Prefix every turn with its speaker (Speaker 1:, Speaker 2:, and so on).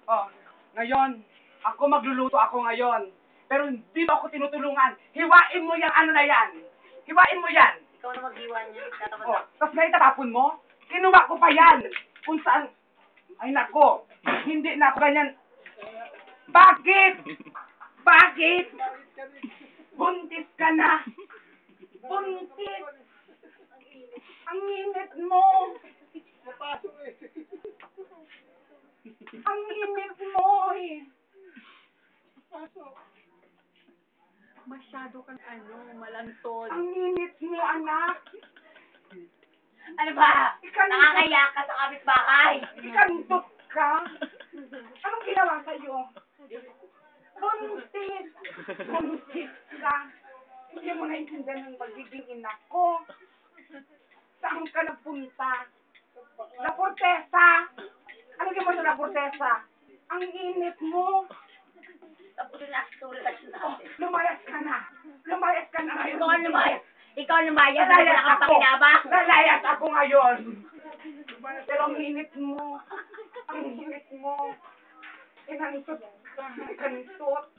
Speaker 1: Oh, ngayon, ako magluluto ako ngayon. Pero hindi mo ako tinutulungan. Hiwain mo yung ano na yan. Hiwain mo yan.
Speaker 2: Ikaw na maghiwa niya.
Speaker 1: Oh, tapos ngayon tatapon mo? Kinuha ko pa yan. Kung saan. Ay nako, hindi na ako ganyan. Bakit? Bakit? Buntis ka na. Buntis. Ang init mo. Ang init mo eh.
Speaker 2: Masyado kang malantod.
Speaker 1: Ang init mo, anak.
Speaker 2: Ano ba? Nakakaya ka sa kapitbahay.
Speaker 1: Ikantot ka. Anong ginawa sa'yo? Buntis. Buntis ka. Hindi mo naintindihan ng pagiging ina ko. Saan ka nagpunta? La Fortesa. Ano ginawa sa La Fortesa? Ang init mo.
Speaker 2: Tapos na itong relasyon natin.
Speaker 1: Lumayas ka na. Lumayas ka na ngayon.
Speaker 2: Ikaw ang lumayas. Ikaw ang lumayas.
Speaker 1: Lalayas ako.
Speaker 2: Nakapakinabang.
Speaker 1: Lalayas ako ngayon. Pero ang init mo. Ang init mo. Inantot ka. Inantot.